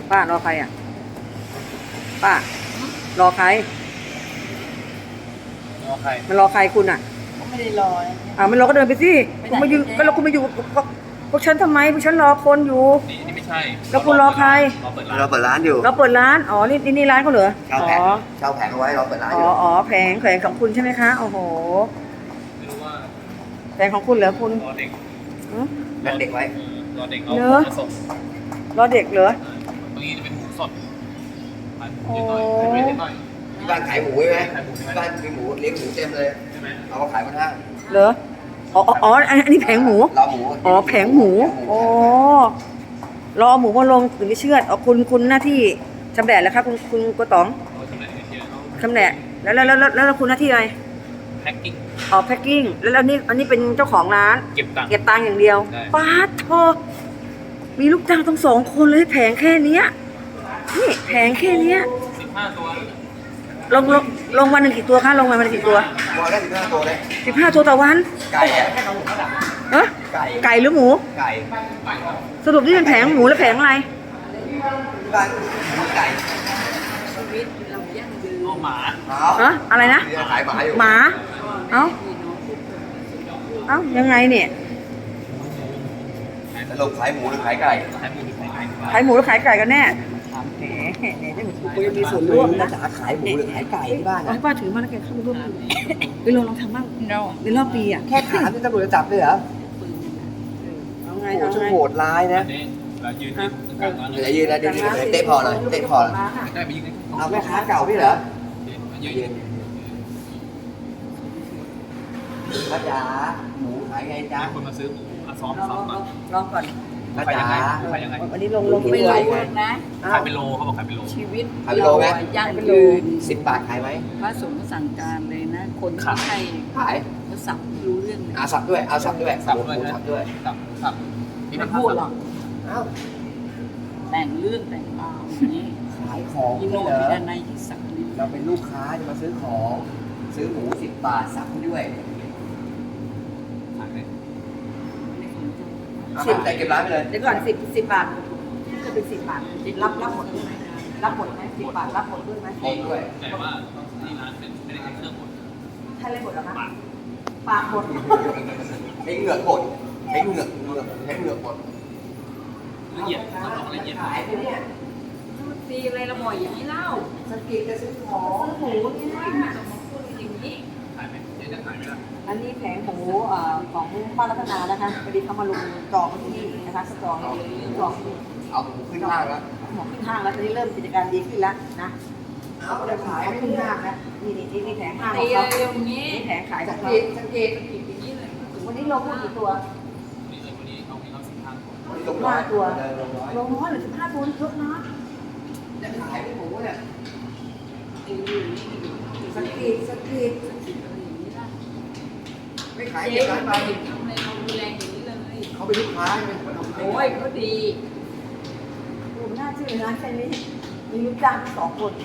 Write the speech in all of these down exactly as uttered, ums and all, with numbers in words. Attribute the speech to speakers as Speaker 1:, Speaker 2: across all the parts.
Speaker 1: ป้ารอใครอ่ะป้ารอใคร
Speaker 2: รอใคร
Speaker 1: มันรอใครคุณอ่ะ
Speaker 3: ก็ไม่ได้รอ
Speaker 1: อ่ามันรอก็เดินไปสิคุณมายืนก็เราคุณมาอยู่พวกฉันทำไมพวกฉันรอคนอยู่
Speaker 2: นี่นี่ไม่ใช่
Speaker 1: แล้วคุณรอใคร
Speaker 2: เราเปิดร้าน
Speaker 4: เราเปิดร้านอยู่
Speaker 1: เราเปิดร้านอ๋อนี่นี่ร้านเขาเหรอ
Speaker 4: เช่าแผงเช่าแผงเอาไว้เราเปิดร้านอ
Speaker 1: อ๋อยู่อ๋อแผงแผงของคุณใช่ไหมคะโอ้โห
Speaker 2: ไม่รู้ว่า
Speaker 1: แผงของคุณเหรอคุณ
Speaker 2: รอเด็ก
Speaker 4: นัดเด็กไว้
Speaker 2: รอเด็กเอาของมาส่ง
Speaker 1: รอเด็กเหรอ
Speaker 2: ตรงนี้จะเป็นหมูสดขายหมูนิดหน่อยขายนิดหน่อย
Speaker 4: ที่บ้านขายหมูใช่ไหมที่บ้านมีหมูเลี้ยงหมูเต็มเลย
Speaker 2: ใช่ไหม
Speaker 4: เอามาขายบนห้าง
Speaker 1: เหรออ๋ออ๋ออันนี้แผงหมู
Speaker 4: เราหมู
Speaker 1: อ๋อแผงหมูโอ้รอหมูมาลงถึงจะเชื่อดอ๋อคุณคุณหน้าที่ชำแหละแล้วครับคุณคุณกต๋องชำแหละแล้วแล้วแล้วแล้วคุณหน้าที่อะไร
Speaker 2: แพ็คกิ้ง
Speaker 1: อ๋อแพ็คกิ้งแล้วแล้วนี่อันนี้เป็นเจ้าของร้าน
Speaker 2: เก็บตังค์
Speaker 1: เก็บตังค์อย่างเดียวป๊าดโธ่มีลูกจ้างทั้งสองคนเลยแผงแค่นี้นี่แผงแค่นี้
Speaker 2: สิบห้าตัว
Speaker 1: ลงลงลงวันหนึ่งกี่ตัวคะลงวันหนึ่งกี่ตัว
Speaker 4: ตัวได้สิบห้าตัวเลย
Speaker 1: สิบห้าตัวต่อวัน
Speaker 4: ไก่อะ
Speaker 1: เออไก่ไก่หรือหมู
Speaker 4: ไก่
Speaker 1: สรุปนี่เป็นแผงหมูแล้วแผงอะไร
Speaker 4: ที่บ้านหมูไก่
Speaker 3: ชีวิตเรายั่งยืน
Speaker 2: หมา
Speaker 1: ฮะอะไรนะ
Speaker 4: ขายหมาอยู่
Speaker 1: หมาเอ้าเอ้ายังไงเนี่ย
Speaker 4: สรุปขายหมูหรือขายไก่
Speaker 2: ขายหมูหรือขายไก่
Speaker 1: ขายหมูหรือขายไก่กันแน่แหมเนี่ยจะมีมีส่วนร่วมนะ
Speaker 4: จะขายหมูหรือขายไก่ที่บ้าน
Speaker 1: ให้ป้าถือมาแล้วแกเข้ามาร่วมไปลองลองทำบ้างในรอบปีอ่ะ
Speaker 4: แค่ถามที่ตำรวจจะจับเลยเหรอ
Speaker 1: เอาไง
Speaker 4: โอ้
Speaker 1: เอา
Speaker 4: ช่าง
Speaker 1: ไง
Speaker 4: โหดร้ายนะ
Speaker 2: เรายืนที่กลางร้านเล
Speaker 4: เดี๋ยวย ยืนนะเดี๋ยวยืนเตะพอเลยเตะพอเลย
Speaker 2: ได้ไปยืน
Speaker 4: เอาแม่ค้าเก่าพี่เหรอ
Speaker 2: ยืน
Speaker 4: ป้าจ๋าหมูขายไงจ๊ะ
Speaker 2: คนมาซื้อหมูซ้อมซ้อมก่อน
Speaker 1: ลองก่อน
Speaker 4: ป้าจ๋า
Speaker 2: ขายยังไง
Speaker 1: วันนี้ลงลง
Speaker 3: ไม่
Speaker 1: ไง
Speaker 3: รู้นะ
Speaker 2: ขายเป็นโลเขาบอกขายเป็นโล
Speaker 3: ชีวิต
Speaker 4: เรา
Speaker 3: ยั่งยืน
Speaker 4: สิบบาทขายไหม
Speaker 3: พระสงฆ์สั่งการเลยนะคนที่ให้
Speaker 4: ขาย
Speaker 3: เขาสับรู้เรื่องเลย
Speaker 4: อาสับด้วยเอาสับด้วย
Speaker 2: สับด้วย
Speaker 4: สับด้วย
Speaker 2: สับสับ
Speaker 3: ไม่พูดหรอก
Speaker 4: อ้าว
Speaker 3: แต่งเรื่องแต่งราวอย่างนี้
Speaker 4: ขายของ
Speaker 3: ยิโน
Speaker 4: เหรอ
Speaker 3: ด้านในที่สักนิด
Speaker 4: เราเป็นลูกค้าจะมาซื้อของซื้อหมูสิบบาทสับด้วย
Speaker 2: ขายไหม
Speaker 4: สิบแต่เก็บร้านไปเลย
Speaker 1: เดี๋ยวก่อนสิบสิบบาทจะเป็นสิบบาทรับรับหมดด้วยไหมรับหมดไหมสิบบาทรับหมดด้วยไหม
Speaker 4: หมดด้วย
Speaker 2: แต่ว่าที่ร้านเป็นไม่ได้ใช้เครื่องหมด
Speaker 1: ใช่เลยหมดหรอคะปากหมด
Speaker 4: ใช้เหงือกหมดใช้เหงือกเหงือกใช้เหงือกหมด
Speaker 2: ละเอียดต้องบอกละเอียด
Speaker 4: ขายไปเนี่ย
Speaker 3: ตีอะไรละหมอยอย่างนี้เล่า
Speaker 4: สกิดจะซื้อของ
Speaker 3: ซื้อหมูนี่นะอย่างนี้
Speaker 2: ขายไหมเจ๊จะขายไหมล่ะ
Speaker 1: อันนี้แผงหมูของป้ารัตนานะคะพอดีเขามาลงจองที่นี่นะคะจองจอง
Speaker 4: เอาหมูขึ้นห้างแล้ว
Speaker 1: หมูขึ้นห้างแล้วตอนนี้เริ่มกิจการดีขึ้นแล้วนะ
Speaker 4: เอาจะขาย
Speaker 1: ขึ้นห้างแล้วนี่นี่นี่แผงห้างข
Speaker 3: ตี
Speaker 1: องเขา
Speaker 3: อะไรอย่างนี้
Speaker 1: นี่แผงขาย
Speaker 4: ส
Speaker 1: ของ
Speaker 4: กิ
Speaker 1: เขา
Speaker 4: ดสกิด
Speaker 3: อย่างนี้เลย
Speaker 1: วันนี้ลงกี่ตัว
Speaker 2: นี่เลยวันนี้เขามีเขาสิบห้าตัว
Speaker 4: ลงห้าตัว
Speaker 1: ลงน้อยหรือสิบห้าตัวเยอะนะ
Speaker 4: จะขายเป็นหมูเนี่ย
Speaker 1: สกีสกี
Speaker 4: ไม่ขายเก็บร้านไป
Speaker 3: ทำอะไรเราดูแลอย่างนี้เลย
Speaker 4: เขาเป็นลูกค้าไง
Speaker 3: โอ้ยเขาดี
Speaker 1: ดูน่าชื่อร้านแค่นี้มีลูกจ้างสองคน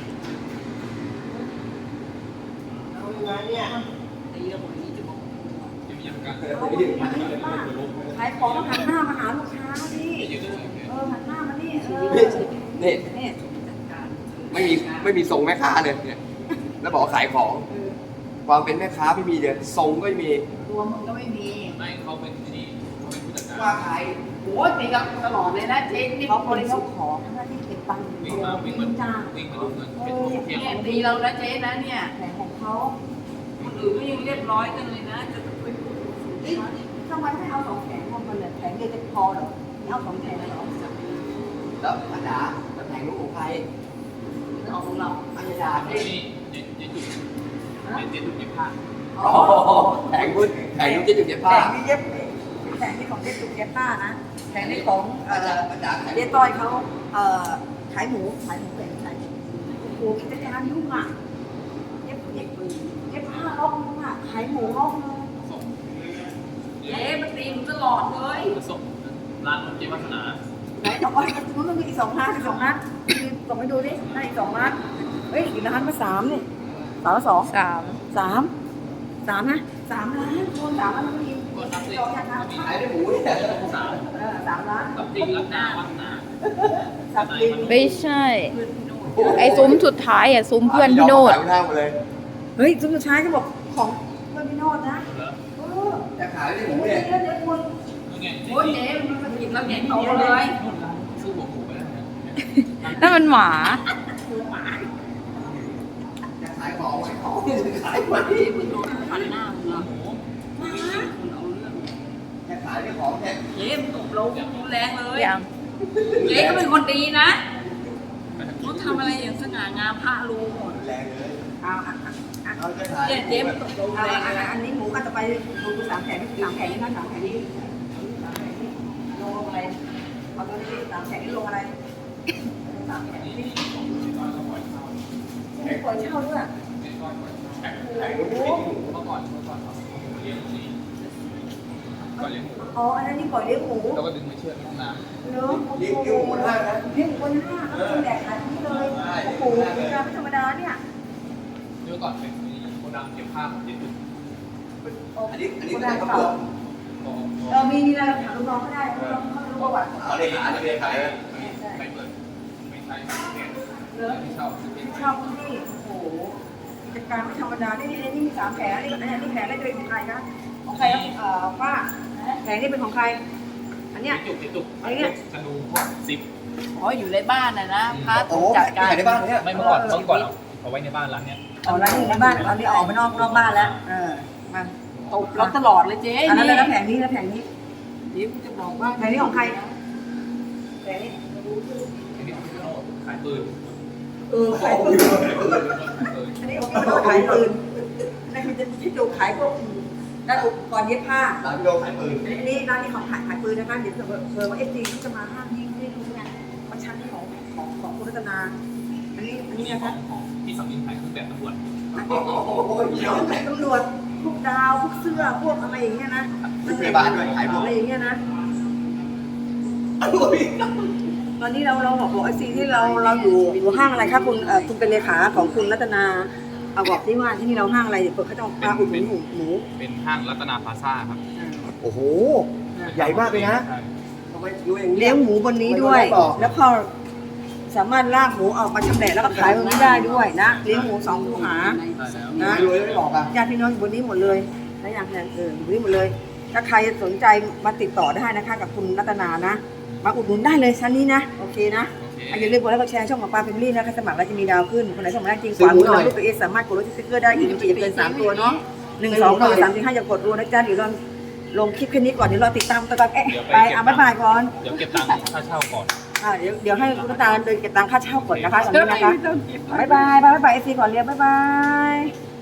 Speaker 4: เอายังไงเนี่ย
Speaker 3: ตีระบบนี้จะบอก
Speaker 2: จะมีอย่างกัน
Speaker 1: ขายของหันหน้ามาหาลูกค้าดิเออหันหน้ามานี่เออ
Speaker 4: นี่
Speaker 1: นี่
Speaker 4: ไม่มีไม่มีทรงแม่ค้าเลยเนี่ยแล้วบอกขายของความเป็นแม่ค้าไม่มีเลยทรงก็ไม่มี
Speaker 3: ตัวมึงก็ไม่มี
Speaker 2: ไม่เขาเป็นที่เขาเป็นผู้จัดการ
Speaker 4: ว่าขาย
Speaker 3: โอ้ยตีกับตลอดเลยนะเจ๊นี่
Speaker 1: เขาคนเขาขอหน้าที่เก็บตังค์
Speaker 2: วิ่งมาวิ่งมา
Speaker 1: จ้าง
Speaker 2: วิ่งมาดูเงินเป็นเพียง
Speaker 3: เนี่ยตีเราแล้วเจ๊นะเนี่ย
Speaker 1: แผงของเขา
Speaker 3: คนอื่นก็ยังเรียบร้อยกันเลยนะจะไปพูด
Speaker 1: นี่ทำไมไม่เอาสองแผงรวมกันเลยแผงเดียวจะพอหรอเอาสองแผงเลยหรอ
Speaker 4: แล้วป้าจ๋าแล้วแผงลูกของใคร
Speaker 3: เอาของเรา
Speaker 4: ป้าจ๋า
Speaker 2: นี่เจ๊เจ๊จุดเจ๊จุดเย็บผ้า
Speaker 4: อ๋อแผงลูกแผงลูกเจ๊จุดเย็บผ้า
Speaker 1: แผงนี้เย็บแผงนี้ของเจ๊ตุกเย็บผ้านะแผงนี้ของเอ่อ
Speaker 4: ป้าจ๋า
Speaker 1: เจ๊ต้อยเขาเอ่อขายหมูขายหมูแผงขายโอ้โหกิจการยุ่งอ่ะเย็บเย็บเย็บผ้าล็อกนึงอ่ะขายหมูล็อกนึง
Speaker 3: เจ๊มันตีมตลอดเลย
Speaker 2: ส่งร้านเจ๊วัฒนา
Speaker 1: ไหนสองวันมันมีอีกสองนัดอีกสองนัดส่งไปดูดิได้อีกสองนัดเฮ้ยอีกร้านมาสามนี่สามละสอง
Speaker 3: สาม
Speaker 1: สามสามนะสามล้านคนสามล้านมันมี
Speaker 2: คนรับสิ
Speaker 4: ขายได้หมูเนี่ย
Speaker 2: สาม
Speaker 1: เออสามล้าน
Speaker 2: รับจริงรับหน้าวัฒนา
Speaker 1: สับลิง
Speaker 5: ไม่ใช่ ไอ้ซุ้มสุดท้ายอ่ะซุ้มเพื่อนพี่โนด
Speaker 4: ขายข้าวมาเลย
Speaker 1: เฮ้ยสุดท้ายเขาบอกของเพื่อนพี่โนดนะ
Speaker 2: เหรอ
Speaker 1: เออ
Speaker 4: จะขายได้ห
Speaker 1: เดี๋
Speaker 4: มู
Speaker 1: ยว
Speaker 4: เนี่ย
Speaker 1: เดี๋ยวเดี๋ยวคุณ
Speaker 2: แล้วไง
Speaker 3: โอ้ยเจ๊มันมากินแล้วใหญ่โตเลย
Speaker 2: ซื้อหัวหมูไปแล้วเนี่ย
Speaker 5: นั่นมันหมา
Speaker 4: จะขายของขายของขายไหม
Speaker 3: คุณโดนฟันหน้ามึงเหรอ
Speaker 2: หมู
Speaker 3: คุณเอาเรื่อง
Speaker 4: จะขายได้ของแค่
Speaker 3: เจ๊มันตบเรารุนแรงเลย
Speaker 5: ยัง
Speaker 3: เจ๊ก็เป็นคนดีนะเขาทำอะไรอย่างสง่างามพระรู้หมด
Speaker 4: แรงเลย
Speaker 1: เอาอ่ะอ่ะอ่ะ
Speaker 4: เอาจะขาย
Speaker 3: เนี่ยเจ๊มันตบเรารุน
Speaker 1: เอา
Speaker 3: แรง
Speaker 1: อ่ะ
Speaker 3: เลย
Speaker 1: อ่ะอันนี้หมูก็จะไปดูสามแผงนี่สามแผงนี่นะสามแผงนี่สามแผงนี่ลงอะไรเอาตัวนี้สามแผงนี่ลงอะไรสามแผงนี่ไม่ปล่อยเช่าด้วย
Speaker 4: ขายหมู
Speaker 2: เมื่อก่อนเมื่อก่อนเราเลี้ยงหมูก่อนเลี้ยงหมู
Speaker 1: อ๋ออันนั้นนี่ปล่อยเลี้ยงหมู
Speaker 2: แล้วก็ดึงมาเชือดน้ำน้
Speaker 1: เนาะ
Speaker 4: เลี้ยงเลี้ยงหมูห้านะ
Speaker 1: เลี้ยงหมูคนห้าเอาคนแดกขายที่เลยโอ้โหราคาไม่ธรรมดาเนี่ย
Speaker 2: ำเมื่อก่อนเป็นโกดังเก็บผ้าของเย็นถึง
Speaker 4: อันนี้อันนี้
Speaker 1: คน
Speaker 4: ก็
Speaker 1: แด
Speaker 4: ได้
Speaker 1: ก
Speaker 4: กระ
Speaker 1: เก่า
Speaker 4: เป๋า
Speaker 2: ก็
Speaker 1: เรามีนี่เราถามลูกน้องก็ได้ลูกน้องเขารู้ประวัติ
Speaker 4: เอาเลยขายเลยขายเลย
Speaker 2: ไปเปิดไม่ใช่เนี่ย
Speaker 1: เลิศ
Speaker 2: ที่เช่าซื้อเป็น
Speaker 1: ชอบที่โอ้โหกิจการไม่ธรรมดานี่นี่นี่มีสามแผงนี่อันนี้นี่แผงได้ด้วยของใครคะของใครครับเอ่อป้าแผงนี่เป็นของใคร อันเนี้ย
Speaker 2: จุกจุก
Speaker 1: อันเนี้ย
Speaker 2: ธนูพวกซิป
Speaker 3: อ๋ออยู่ในบ้านนะนะพระ
Speaker 4: โอ้
Speaker 3: ถูกจัดการ
Speaker 4: ขายในบ้านเนี่ย
Speaker 2: ไม่เมื่อก่อนเมื่อก่อนเอาเอาไว้ในบ้านร้านเนี้ย
Speaker 1: อ๋อแล้วนี่ในบ้านตอนนี้ออกไปนอกนอกบ้านแล้วเออมา
Speaker 3: ตบเราตลอดเลยเจ๊
Speaker 1: อันนั้น
Speaker 3: นี่
Speaker 1: แล้วแผงนี้แล้วแผงนี้
Speaker 3: เดี๋ยวกูจะบอกว่า
Speaker 1: แผงนี้ของใครแผงนี้
Speaker 2: อันนี้คือขายปืน
Speaker 1: เออขายปืนอันนี้ของพี่โน้ตขายปืนนั่นคือจะที่ดูขายพวกด้านอุปกรณ์เย็บผ้า
Speaker 4: ร้านพี่โดขายปืน
Speaker 1: อันนี้ร้านนี้ของขายขายปืนนะคะเดี๋ยวเผื่อเผื่อว่าเอฟซีเขาจะมาห้ามยิงไม่รู้ไงเพราะชั้นนี้ของของของคุณรัตนา อันนี้อันนี้
Speaker 2: นี่
Speaker 1: นะ
Speaker 2: ขอ
Speaker 1: คะ
Speaker 2: งของที่สามีขายเครื่องแบบตำรวจ
Speaker 4: โอ้โหเยอะเลย
Speaker 1: ตำรวจพวกดาวพวกเสื้อพวกอะไรอย่างเงี้ยนะ
Speaker 4: ชุดพยาบาลด้วยขายพวก
Speaker 1: อะไรอย่างเงี้ยนะ
Speaker 4: อร่อย
Speaker 1: ตอนนี้เราเราบอกบอกไอซีที่เราเราอยู่อยู่ห้างอะไรคะคุณเอ่อคุณเป็นเลขาของคุณรัตนาเอาบอกที่ว่าที่นี่เราห้างอะไรเดี๋ยวเปิดเขาจะเอาพาอุดหนุนหมูหมู
Speaker 2: เป็นห้างรัตนาพลาซ่าครับ
Speaker 4: โอ้โห ใหญ่มากเลยนะทำไมรู้อย่างนี้
Speaker 1: เลี้ยงหมูบนนี้ด้วย แล้วพอสามารถลากหมูออกมาชำแหละแล้วก็ขายบนนี้ได้ด้วยนะเลี้ยงหมูสองคูหา
Speaker 2: ได้แล้ว
Speaker 1: นะ
Speaker 4: รวยไม่บอกอ่ะ
Speaker 1: ญาติพี่น้องอยู่บนนี้หมดเลยและอย่างแรงเอออยู่บนนี้หมดเลย ถ้าใครสนใจมาติดต่อได้นะคะ กับคุณรัตนานะ มาอุดหนุนได้เลยชั้นนี้นะ โอเคนะ
Speaker 2: โอเค
Speaker 1: อย่าลืมกดไลค์กดแชร์ช่องของปลาเฟมิลี่นะคะสมัครแล้วจะมีดาวขึ้น คนไหนสมัครได้จริงกว่ามือเราลูกตัวเองสามารถกดรถสติ๊กเกอร์ได้อีกมันจะเกินสามตัวเนาะหนึ่งสองตัวสามสี่ห้าอย่ากดรัวนะจ๊ะเดี๋ยวเราลงคลิปแค่นี้ก่อนเดี๋ยวรอติดตามตัวกันเอ๊ะไปอ่ะบ๊ายบายก่อน
Speaker 2: เดี๋ยวเก็บตังค์ค่าเช่าก่อน
Speaker 1: อ่ะเดี๋ยวเดี๋ยวให้คุณรัตนาเดินเก็บตังค่าเช่าก่อนนะคะตอนนี้นะคะบ๊ายบายบ๊ายบายเอฟซีก่อนเรียบบ๊ายบาย